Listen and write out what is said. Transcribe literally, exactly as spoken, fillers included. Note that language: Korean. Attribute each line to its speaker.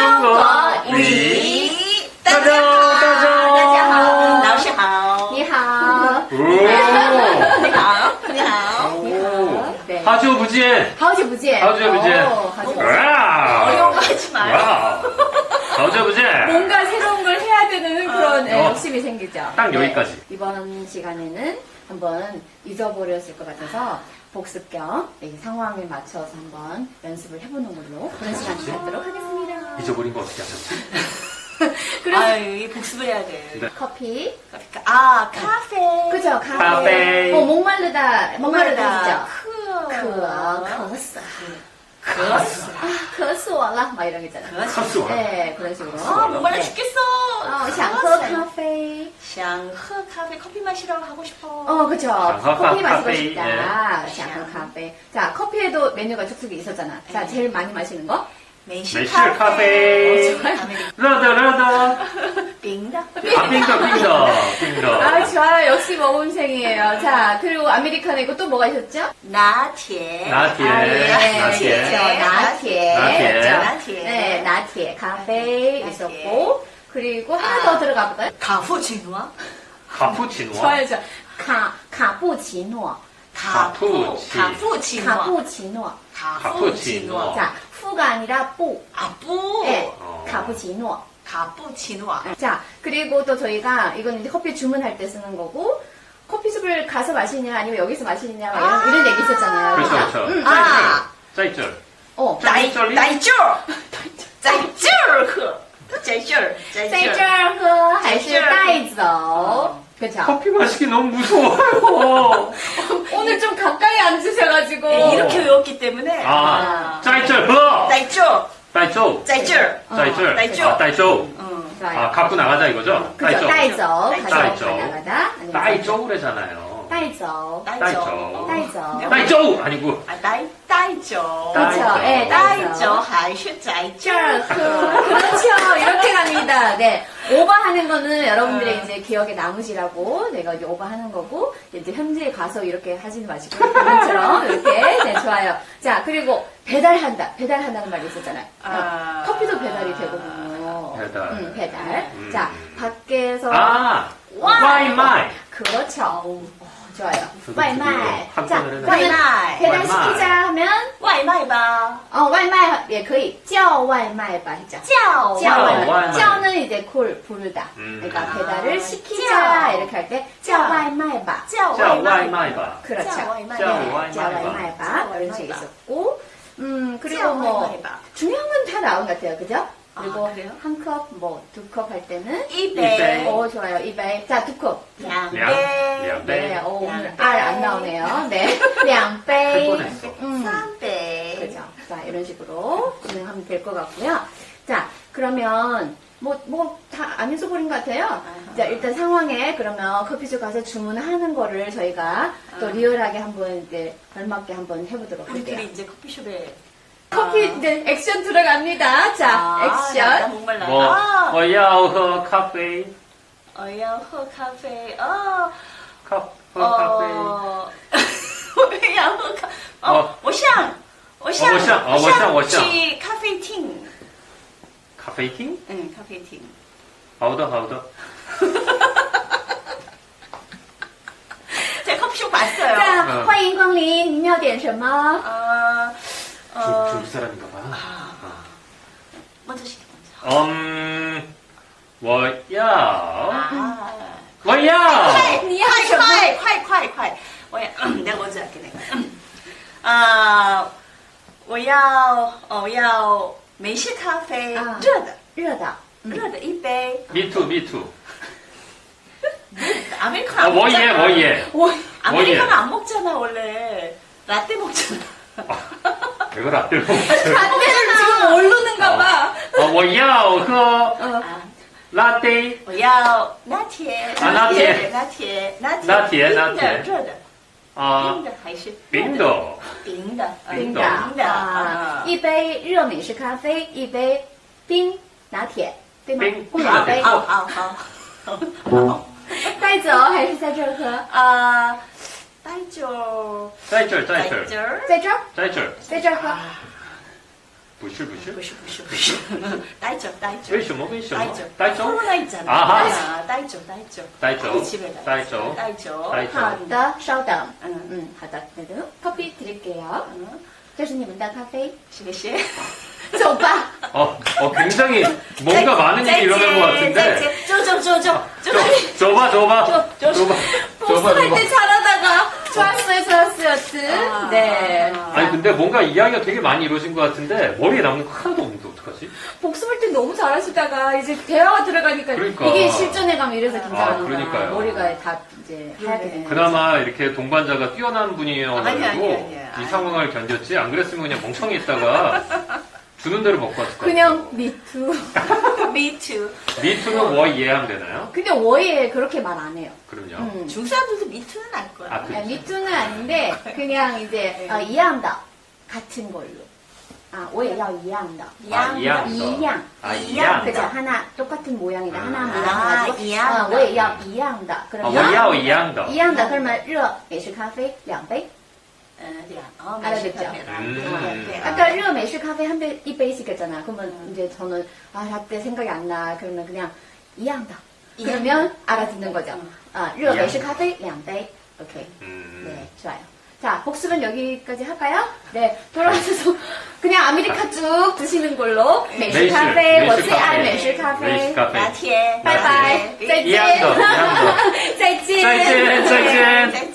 Speaker 1: 中国
Speaker 2: 语
Speaker 1: 语。
Speaker 2: 大家好，
Speaker 1: 大家好，
Speaker 2: 大家好，老师好，
Speaker 3: 你好，
Speaker 2: 你好，你好，
Speaker 3: 你好，对，
Speaker 1: 好久不见，
Speaker 3: 好久不见，
Speaker 1: 好久不见。
Speaker 3: 어, 好久不见.
Speaker 1: 와우.
Speaker 2: 어려워하지 마요.
Speaker 1: 와우. 好久不见.
Speaker 3: 뭔가 새로운 걸 해야 되는 그런 예,
Speaker 1: 어.
Speaker 3: 욕심이 생기죠.
Speaker 1: 딱 여기까지.
Speaker 3: 네, 이번 시간에는 한번 잊어버렸을 것 같아서 복습 겸 이 상황에 맞춰서 한번 연습을 해보는 걸로 그런 시간 갖도록 하겠습니다.
Speaker 1: 잊어버린 거 어떻게 하셨지?
Speaker 3: 그래서
Speaker 2: 아유, 이 복습을 해야 돼.
Speaker 1: 네.
Speaker 3: 커피,
Speaker 2: 아, 카페.
Speaker 3: 그죠? 카페.
Speaker 1: 카페.
Speaker 3: 어, 목마르다, 목마르다,
Speaker 2: 크.
Speaker 3: 그죠? 커스.
Speaker 2: 커스.
Speaker 3: 아, 커스워라. 막 이런 거 있잖아요.
Speaker 1: 커스.
Speaker 3: 네, 그런 식으로.
Speaker 2: 아, 목말라
Speaker 3: 네.
Speaker 2: 죽겠어.
Speaker 3: 어, 想喝咖啡.
Speaker 2: 想喝 카페, 커피 마시러 가고 싶어.
Speaker 3: 어, 그쵸.
Speaker 1: 장허
Speaker 3: 커피 마시고
Speaker 1: 카페,
Speaker 3: 싶다.
Speaker 1: 예.
Speaker 3: 장허 카페. 자, 커피에도 메뉴가 쭉쭉 있었잖아. 자,
Speaker 2: 네.
Speaker 3: 제일 많이 마시는 거?
Speaker 2: 美式
Speaker 1: 美式
Speaker 2: 카페.
Speaker 1: 카페.
Speaker 3: 어, 좋아요.
Speaker 2: 아메리카노.
Speaker 1: 라더, 라더.
Speaker 2: 빙다.
Speaker 1: 아, 빙더, 빙더, 빙더.
Speaker 3: 아, 좋아요. 역시 모범생이에요. 자, 그리고 아메리카노 있고 또 뭐가 있었죠?
Speaker 2: 나티에.
Speaker 1: 나티에.
Speaker 3: 아, 예.
Speaker 1: 나티에.
Speaker 3: 그렇죠. 나티에.
Speaker 1: 나티에.
Speaker 3: 그렇죠?
Speaker 2: 나티에.
Speaker 3: 네, 나티에. 카페
Speaker 2: 나티에.
Speaker 3: 있었고. 그리고 하나
Speaker 2: 아.
Speaker 3: 더 들어가 볼까요?
Speaker 2: 카푸치노아.
Speaker 1: 카푸치노.
Speaker 3: 좋아요, 좋아요. 카, 카푸치노.
Speaker 2: 카푸.
Speaker 1: 카푸치.
Speaker 2: 카푸치노아.
Speaker 3: 카푸치노.
Speaker 1: 카푸치노.
Speaker 3: 자, 푸가 아니라 뿌.
Speaker 2: 아뿌.
Speaker 3: 네,
Speaker 1: 어.
Speaker 3: 카푸치노.
Speaker 2: 카푸치노아.
Speaker 3: 자, 그리고 또 저희가 이건 이제 커피 주문할 때 쓰는 거고 커피숍을 가서 마시냐 아니면 여기서 마시느냐 막 이런,
Speaker 2: 아.
Speaker 3: 이런 얘기 있었잖아요.
Speaker 1: 그렇죠, 그렇죠.
Speaker 3: 음,
Speaker 2: 아.
Speaker 1: 在这儿.
Speaker 3: 어,
Speaker 2: 在
Speaker 1: 这里
Speaker 2: 在这儿，在这儿喝，在这儿，在
Speaker 3: 在这
Speaker 2: 这儿。
Speaker 3: 儿喝还是
Speaker 2: 在这儿
Speaker 3: 带走? 그렇죠.
Speaker 1: 커피 마시기 너무 무서워요.
Speaker 3: 오늘 좀 가까이 앉으셔가지고
Speaker 2: 네, 이렇게 외웠기 때문에.
Speaker 1: 아, 在这儿喝.
Speaker 2: 在这儿，
Speaker 1: 在这儿.
Speaker 2: 在这儿。
Speaker 1: 在这儿.
Speaker 2: 어,
Speaker 1: 아, 在这儿.
Speaker 2: 응.
Speaker 3: 좋아요.
Speaker 1: 아, 갖고 나가자 이거죠?
Speaker 3: 그죠? 带走,
Speaker 2: 네,
Speaker 3: 가져,
Speaker 1: 带走.
Speaker 3: 가져가다. 아니면
Speaker 1: 따이저우래잖아요.
Speaker 3: 带走,
Speaker 2: 带走。
Speaker 3: 带走.
Speaker 1: 따이저우 아니고.
Speaker 2: 아, 带带走。
Speaker 3: 그렇죠. 예,
Speaker 2: 带
Speaker 3: 带
Speaker 2: 走
Speaker 3: 走.
Speaker 2: 还是在这
Speaker 3: 这儿
Speaker 2: 儿
Speaker 3: 喝.
Speaker 2: 喝。
Speaker 3: 그렇죠. 이렇게 갑니다. 네. 오버하는 거는 여러분들의 이제 기억에 남으시라고 내가 이제 오버하는 거고, 이제 현지에 가서 이렇게 하지는 마시고, 방금처럼 이렇게. 네, 좋아요. 자, 그리고 배달한다. 배달한다는 말이 있었잖아요.
Speaker 2: 아.
Speaker 3: 커피도 배달이 되거든요.
Speaker 1: 배달.
Speaker 3: 음, 배달.
Speaker 1: 음.
Speaker 3: 자, 밖에서.
Speaker 1: 아,
Speaker 3: 와이.
Speaker 1: 와이마이.
Speaker 3: 그렇죠. 어, 좋아요.
Speaker 1: 저도
Speaker 3: 와이마이.
Speaker 1: 드디어
Speaker 3: 자,
Speaker 1: 한편을
Speaker 3: 그러면
Speaker 2: 와이마이.
Speaker 3: 배달시키자 하면,
Speaker 2: 外卖吧，
Speaker 3: 어, 와이마이也可以叫外卖吧 했죠.
Speaker 2: 叫
Speaker 3: 叫外卖.
Speaker 1: 와이마이.
Speaker 3: 叫는 이제 콜 부르다.
Speaker 1: 음.
Speaker 3: 그러니까
Speaker 2: 아,
Speaker 3: 배달을 시키자
Speaker 2: 叫.
Speaker 3: 이렇게 할 때 叫外卖吧.
Speaker 2: 叫
Speaker 1: 자,
Speaker 2: 外卖
Speaker 1: 와이마이바.
Speaker 3: 그렇죠.
Speaker 2: 叫外卖
Speaker 1: 叫
Speaker 3: 네,
Speaker 1: 外卖吧.
Speaker 3: 叫外卖吧. 이런 식이 있었고, 음 그리고 뭐
Speaker 2: 叫外卖吧.
Speaker 3: 중요한 건 다 나온 것 같아요, 그죠?
Speaker 2: 아,
Speaker 3: 그리고
Speaker 2: 그래요?
Speaker 3: 한 컵, 뭐 두 컵 할 때는
Speaker 2: 一
Speaker 1: 배.
Speaker 2: 杯
Speaker 3: 오 좋아요, 이 배. 자, 두 컵.
Speaker 2: 两
Speaker 1: 량,
Speaker 2: 杯
Speaker 1: 량.
Speaker 3: 네,
Speaker 1: 네.
Speaker 3: 오, 오늘
Speaker 2: 양
Speaker 3: 알 안
Speaker 2: 배.
Speaker 3: 나오네요. 네, 两
Speaker 1: 할
Speaker 3: 배.
Speaker 1: 뻔했어.
Speaker 3: 음.
Speaker 2: 三杯
Speaker 3: 그죠. 자, 이런 식으로 진행하면 될 것 같고요. 자, 그러면, 뭐, 뭐, 다 안 잊어버린 것 같아요. 자, 일단 상황에 그러면 커피숍 가서 주문하는 거를 저희가 또
Speaker 2: 아.
Speaker 3: 리얼하게 한번 이제 걸맞게 한번 해보도록 할게요.
Speaker 2: 우리들이 이제 커피숍에
Speaker 3: 커피
Speaker 2: 아.
Speaker 3: 이제 액션 들어갑니다. 자,
Speaker 2: 아, 나
Speaker 3: 액션.
Speaker 2: 목말라.
Speaker 1: 뭐,
Speaker 2: 아,
Speaker 1: 我要喝咖啡.
Speaker 2: 我要喝咖啡. 어,
Speaker 1: 카, 喝咖啡.
Speaker 2: 어, 我要喝咖. 어,
Speaker 1: 어.
Speaker 2: 我想,我想,
Speaker 1: 我想,哦我想,我想.
Speaker 2: 去咖啡厅.
Speaker 1: 카페이팅?
Speaker 2: 응,咖啡厅.
Speaker 1: 好的,好的.
Speaker 2: 제가 커피숍 봤어요.
Speaker 3: 자,
Speaker 1: 어.
Speaker 3: 欢迎光临，您要点什么？
Speaker 2: 어,
Speaker 1: 줄,
Speaker 2: 어,
Speaker 1: 줄 사람인가 봐.
Speaker 2: 먼저 시켜, 먼저.
Speaker 1: 음, 我要,
Speaker 2: 아.
Speaker 1: 我要.
Speaker 2: 快
Speaker 3: 你要什么？
Speaker 2: 快快快快！我也，내가 먼저 할게 내가. 아, 我要我要美式咖啡，
Speaker 3: 啊
Speaker 2: 热的
Speaker 3: 热的。
Speaker 2: 热的一杯。
Speaker 1: me too, me too.
Speaker 2: 아메리카노
Speaker 1: 아,
Speaker 2: 안
Speaker 1: 뭐
Speaker 2: 먹잖아.
Speaker 1: 예, 뭐 예.
Speaker 3: 오,
Speaker 2: 아메리카노 안 먹잖아 원래. 라떼 먹잖아.
Speaker 1: 이거 라떼 먹었어요.
Speaker 3: 라떼를 지금 모르는가 봐.
Speaker 1: 어, 我要喝
Speaker 3: 어.
Speaker 2: 아,
Speaker 1: 라떼.
Speaker 2: 我要拿铁，
Speaker 1: 啊拿铁
Speaker 2: 拿铁，拿铁，
Speaker 1: 拿铁
Speaker 2: 冰
Speaker 1: 拿铁
Speaker 2: 的，热的，
Speaker 1: 아,
Speaker 2: 冰的还是
Speaker 1: 冰的.
Speaker 2: 冰的，呃
Speaker 1: 冰的
Speaker 2: 冰的
Speaker 3: 啊
Speaker 2: 啊，
Speaker 3: 一杯热美式咖啡，一杯冰拿铁，对吗？
Speaker 1: 冰
Speaker 3: 不两杯。
Speaker 2: 好好好好好
Speaker 3: 带走还是在这儿喝？
Speaker 2: 啊，带酒，
Speaker 1: 在这儿,在这儿,
Speaker 2: 这儿，
Speaker 3: 在这儿，
Speaker 1: 在这儿.
Speaker 3: 在这儿喝。
Speaker 1: 不是不是
Speaker 2: 不是不是不是，待着待着
Speaker 1: 为什么为什么
Speaker 2: 待着
Speaker 1: 待着
Speaker 2: 코로나 있잖아.
Speaker 1: 아하.
Speaker 2: 아, 待着待着
Speaker 1: 待着
Speaker 2: 빨리 집에 가야
Speaker 1: 待着
Speaker 2: 待着
Speaker 1: 待着
Speaker 3: 好的，稍等。
Speaker 2: 응.
Speaker 3: 嗯，好的，那个 커피 드릴게요.
Speaker 2: 응.
Speaker 3: 这是你们的咖啡，
Speaker 2: 谢谢
Speaker 3: 走吧。
Speaker 1: 어, 어 굉장히 뭔가 많은 일이 일어난 것 같은데.
Speaker 2: 쪼쪼쪼쪼
Speaker 1: 저, 줘봐 줘봐
Speaker 2: 줘, 줘.
Speaker 1: 줘봐 줘봐
Speaker 3: 복습할
Speaker 1: 줘봐.
Speaker 3: 때 잘하다가 좋았어요, 좋았어요, 여튼.
Speaker 2: 아.
Speaker 3: 네.
Speaker 1: 아니 근데 뭔가 이야기가 되게 많이 이루어진 것 같은데 머리에 남는 거 하나도 없는데 어떡하지?
Speaker 3: 복습할 때 너무 잘하시다가 이제 대화가 들어가니까
Speaker 1: 그러니까.
Speaker 3: 이게 실전에 가면 이래서 긴장하는
Speaker 1: 아, 그러니까요.
Speaker 3: 거야. 머리가 다 이제 하얗게 되는
Speaker 1: 그나마 이렇게 동반자가 뛰어난 분이어가지고
Speaker 2: 아니, 아니, 아니,
Speaker 1: 이
Speaker 2: 아니.
Speaker 1: 상황을 견뎠지 안 그랬으면 그냥 멍청히 있다가 주는 대로 먹고 왔을 것 같아요.
Speaker 3: 그냥 미투.
Speaker 2: Me too.
Speaker 1: 미투는 뭐 이해하면 되나요?
Speaker 3: 근데 워예 그렇게 말 안 해요.
Speaker 1: 그럼요.
Speaker 3: 음.
Speaker 2: 중국 사람들도 me too는 알 거야.
Speaker 1: 아, 그-
Speaker 3: 아, 미투는 아닌데 그냥 이제 어, 이해한다 같은 걸로. 아, 我也要一样的.
Speaker 1: 아, 이양.
Speaker 3: 이양.
Speaker 1: 아,
Speaker 2: 이양.
Speaker 1: 이양.
Speaker 3: 그죠? 하나 똑같은 모양이다.
Speaker 1: 음.
Speaker 3: 하나
Speaker 2: 아,
Speaker 3: 모양가지고.
Speaker 2: 이양다.
Speaker 3: 어, 我也要一样的.
Speaker 1: 아,
Speaker 3: 그러면
Speaker 1: 我要一样的.
Speaker 3: 一样的 그러면 热美式咖啡两杯.
Speaker 2: 어, 네. 어,
Speaker 3: 알아듣죠?
Speaker 1: 음.
Speaker 2: 네.
Speaker 3: 아까 热美式咖啡한 배, 이杯시켰잖아. 그러면 이제 저는 아, 라떼 생각이 안 나. 그러면 그냥 一样的. 그러면 알아듣는 거죠.
Speaker 2: 음.
Speaker 3: 아, 热美式咖啡两杯. 오케이.
Speaker 1: 음.
Speaker 3: 네, 좋아요. 자, 복습은 여기까지 할까요? 네, 돌아와서 그냥 아메리카 쭉 드시는 걸로.
Speaker 1: 메이시,
Speaker 3: 메시 카페,
Speaker 1: 메이시
Speaker 3: 我最爱
Speaker 1: 카페.
Speaker 3: 美式咖
Speaker 1: 메이시
Speaker 3: 啡。
Speaker 1: 카페.
Speaker 2: 拿铁，
Speaker 3: 拜拜，再见，
Speaker 1: 一样的，一样的。
Speaker 3: 再见，
Speaker 1: 再见，再见。
Speaker 2: 再见。